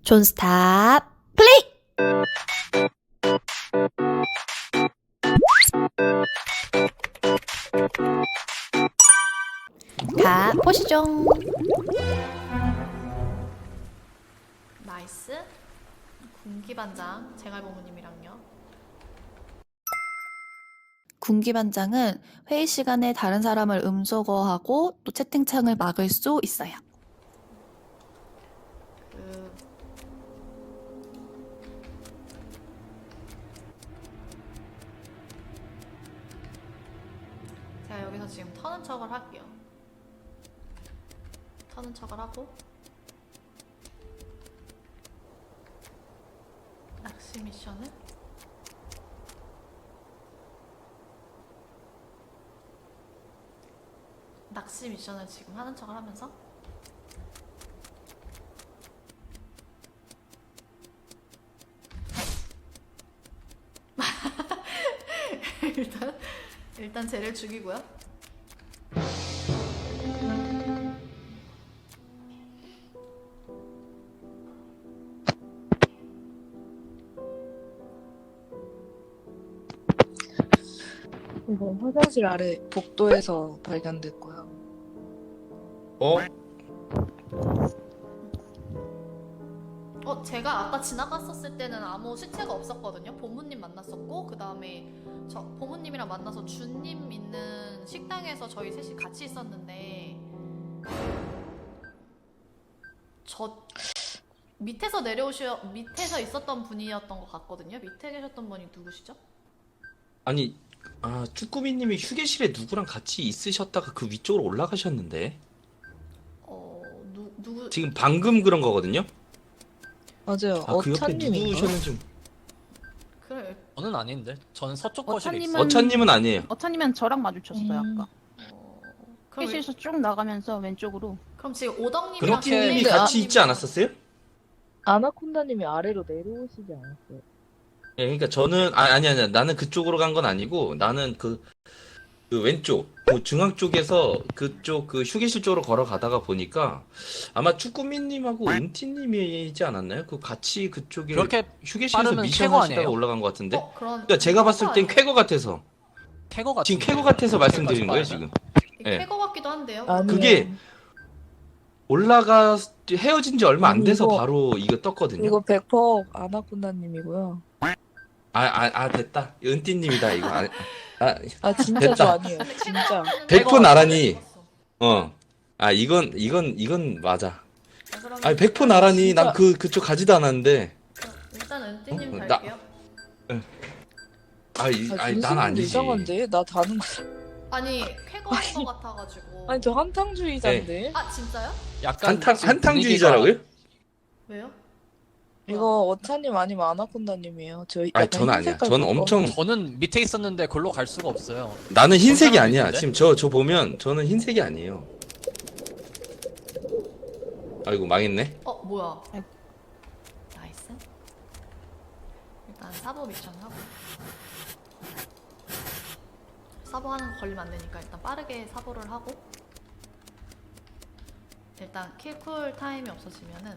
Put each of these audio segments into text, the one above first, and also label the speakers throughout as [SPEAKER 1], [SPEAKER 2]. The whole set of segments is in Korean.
[SPEAKER 1] 존스탑 플레이! 가 보시죠.
[SPEAKER 2] 나이스. 군기반장 제갈부모님이랑요.
[SPEAKER 1] 군기반장은 회의 시간에 다른 사람을 음소거하고 또 채팅창을 막을 수 있어요.
[SPEAKER 2] 그 제가 여기서 지금 터는 척을 할게요. 터는 척을 하고 낚시 미션을 지금 하는 척을 하면서 일단 쟤를 죽이고요.
[SPEAKER 3] 이거 화장실 아래 복도에서 발견됐고요.
[SPEAKER 2] 제가 아까 지나갔었을 때는 아무 시체가 없었거든요. 보무님 만났었고 그 다음에 저 보무님이랑 만나서 준님 있는 식당에서 저희 셋이 같이 있었는데 저 밑에서 밑에서 있었던 분이었던 것 같거든요. 밑에 계셨던 분이 누구시죠?
[SPEAKER 4] 아니, 쭈꾸미님이 휴게실에 누구랑 같이 있으셨다가 그 위쪽으로 올라가셨는데
[SPEAKER 2] 누구?
[SPEAKER 4] 지금 방금 그런 거거든요?
[SPEAKER 3] 맞아요.
[SPEAKER 4] 그 옆에
[SPEAKER 3] 어찬님인가?
[SPEAKER 4] 누구셨는지.
[SPEAKER 2] 그래.
[SPEAKER 5] 저는 아닌데. 저는 서쪽 거실에 있어요.
[SPEAKER 6] 어차님은-
[SPEAKER 4] 어찬님은 아니에요.
[SPEAKER 6] 어차님은 저랑 마주쳤어요 아까.
[SPEAKER 2] 그럼,
[SPEAKER 6] 회실에서 쭉 나가면서 왼쪽으로.
[SPEAKER 2] 그럼 지금 오덕님이랑
[SPEAKER 4] 그렇게님이
[SPEAKER 2] 준님이-
[SPEAKER 4] 같이 있지 않았었어요?
[SPEAKER 3] 아나콘다님이 아래로 내려오시지 않았어요?
[SPEAKER 4] 예, 그러니까 저는 아니야. 나는 그쪽으로 간 건 아니고 나는 그 왼쪽, 그 중앙 쪽에서 그쪽 그 휴게실 쪽으로 걸어가다가 보니까 아마 쭈꾸미님하고 은티님이지 않았나요? 그 같이 그쪽에
[SPEAKER 5] 그렇게
[SPEAKER 4] 휴게실에서
[SPEAKER 5] 빠르면
[SPEAKER 4] 미션
[SPEAKER 5] 쾌거
[SPEAKER 4] 하시다가
[SPEAKER 5] 아니에요?
[SPEAKER 4] 올라간 것 같은데.
[SPEAKER 2] 그러니까
[SPEAKER 4] 제가 봤을 땐 쾌거 같아서.
[SPEAKER 5] 캐거 같은
[SPEAKER 4] 지금 쾌거 같아서 말씀드린 거예요, 지금. 예.
[SPEAKER 2] 캐거 같기도 한데요.
[SPEAKER 3] 아니요.
[SPEAKER 4] 그게 헤어진 지 얼마 안 돼서
[SPEAKER 3] 이거-
[SPEAKER 4] 바로 이거 떴거든요.
[SPEAKER 3] 이거 100% 아나콘다님이고요.
[SPEAKER 4] 됐다. 은띠님이다, 이거.
[SPEAKER 3] 진짜
[SPEAKER 4] 됐다.
[SPEAKER 3] 저 아니에요. 진짜.
[SPEAKER 4] 100% 나란히. 이건 맞아. 100% 나란히. 난 그쪽 가지도 않았는데.
[SPEAKER 2] 일단 은띠님
[SPEAKER 4] 나-
[SPEAKER 2] 갈게요.
[SPEAKER 4] 난 아니지.
[SPEAKER 3] 이상한데? 나 다는 거.
[SPEAKER 2] 아니 쾌거인 것 같아가지고.
[SPEAKER 3] 아니 저 한탕주의자인데.
[SPEAKER 2] 진짜요?
[SPEAKER 5] 약간
[SPEAKER 4] 한탕주의자라고요?
[SPEAKER 2] 왜요?
[SPEAKER 3] 이거 어차님 아니면 아나콘다님이에요.
[SPEAKER 4] 저는 아니야. 저는 엄청.
[SPEAKER 5] 저는 밑에 있었는데 글로 갈 수가 없어요.
[SPEAKER 4] 나는 흰색이
[SPEAKER 5] 사람이
[SPEAKER 4] 아니야.
[SPEAKER 5] 있는데?
[SPEAKER 4] 지금 저 보면 저는 흰색이 아니에요. 아이고, 망했네.
[SPEAKER 2] 뭐야? 나이스. 일단 사보 미션 하고. 사보 하는 거 걸리면 안 되니까 일단 빠르게 사보를 하고. 일단 킬쿨 타임이 없어지면은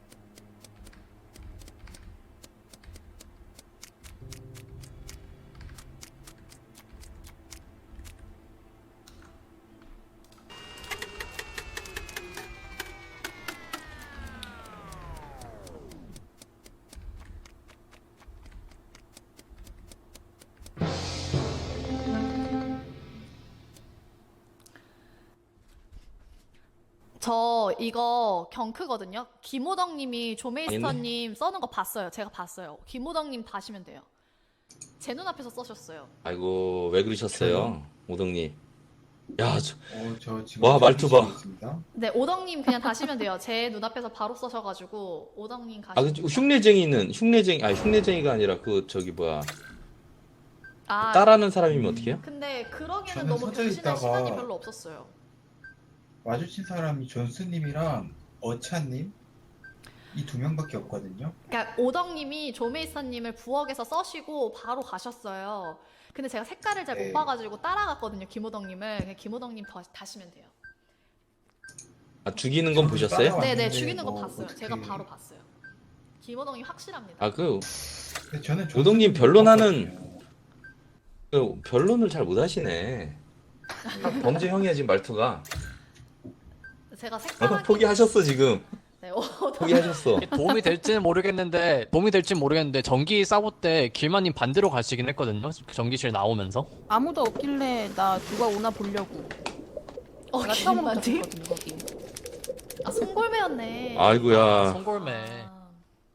[SPEAKER 2] 저 이거 경크거든요. 김호덕님이 조메이스터님 써는 거 봤어요. 제가 봤어요. 김호덕님 봐시면 돼요. 제 눈앞에서 써셨어요.
[SPEAKER 4] 아이고, 왜 그러셨어요, 오덕님? 야,
[SPEAKER 7] 저 지금
[SPEAKER 4] 와, 말투 봐.
[SPEAKER 7] 있습니다.
[SPEAKER 2] 네, 오덕님 그냥 다시면 돼요. 제 눈앞에서 바로 써셔가지고 오덕님 가시면 돼요.
[SPEAKER 4] 흉내쟁이가 아니라 뭐야.
[SPEAKER 2] 아,
[SPEAKER 4] 따라하는 사람이면 어떻게 해요?
[SPEAKER 2] 근데 그러기에는
[SPEAKER 7] 저는
[SPEAKER 2] 너무
[SPEAKER 7] 서져
[SPEAKER 2] 변신할
[SPEAKER 7] 있다가-
[SPEAKER 2] 시간이 별로 없었어요.
[SPEAKER 7] 마주친 사람이 존스님이랑 어차님 이 두 명밖에 없거든요.
[SPEAKER 2] 그러니까 오덕님이 조메이스터님을 부엌에서 써시고 바로 가셨어요. 근데 제가 색깔을 잘 못
[SPEAKER 7] 네.
[SPEAKER 2] 봐가지고 따라갔거든요. 김호덕님을. 그냥 김호덕님 다시면 돼요.
[SPEAKER 4] 죽이는 건 보셨어요?
[SPEAKER 7] 따라왔는데
[SPEAKER 2] 네네, 죽이는 거
[SPEAKER 7] 뭐
[SPEAKER 2] 봤어요.
[SPEAKER 7] 어떻게-
[SPEAKER 2] 제가 바로 봤어요. 김호동이 확실합니다.
[SPEAKER 4] 아, 그
[SPEAKER 7] 근데 저는
[SPEAKER 4] 우동님
[SPEAKER 7] 존슨님이
[SPEAKER 4] 변론하는 그 변론을 잘 못하시네. 범죄형이야 지금 말투가.
[SPEAKER 2] 제가 색깔하게
[SPEAKER 4] 포기하셨어 지금.
[SPEAKER 2] 네,
[SPEAKER 4] 포기하셨어.
[SPEAKER 5] 도움이 될지는 모르겠는데 전기 싸고 때 길마님 반대로 가시긴 했거든요. 전기실 나오면서.
[SPEAKER 6] 아무도 없길래 나 누가 오나 보려고. 내가 처음으로 잡았거든 거기.
[SPEAKER 2] 아 송골매였네.
[SPEAKER 4] 아이고야.
[SPEAKER 5] 송골매.
[SPEAKER 2] 아.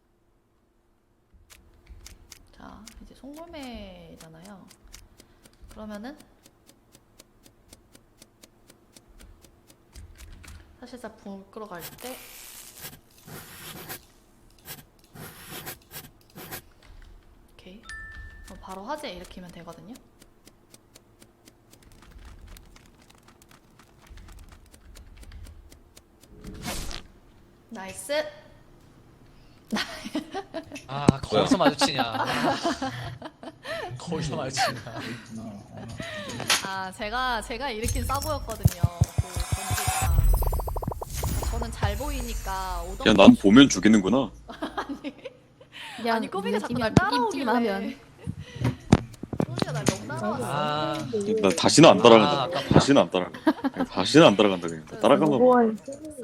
[SPEAKER 2] 자 이제 송골매잖아요. 그러면은 사실상 불 끌어갈 때 오케이 그럼 바로 화재 일으키면 되거든요. 나이스.
[SPEAKER 5] 아 거기서 마주치냐. 거기서 마주치냐.
[SPEAKER 7] 있구나.
[SPEAKER 2] 아 제가 일으킨 싸보였거든요. 그 전기가. 저는 잘 보이니까 오동.
[SPEAKER 8] 야, 난 보면 죽이는구나.
[SPEAKER 6] 그냥
[SPEAKER 2] 아니 꼬비가 자꾸 날
[SPEAKER 6] 느낌이
[SPEAKER 2] 따라오길래.
[SPEAKER 6] 하면.
[SPEAKER 2] 꼬비가 날 너무 따라왔어.
[SPEAKER 5] 아,
[SPEAKER 8] 나 다시는 안 따라간다.
[SPEAKER 5] 아, 아깝다.
[SPEAKER 8] 다시는 안 따라간다. 그냥 다시는 안 따라간다. 그냥 따라가면
[SPEAKER 3] 무고한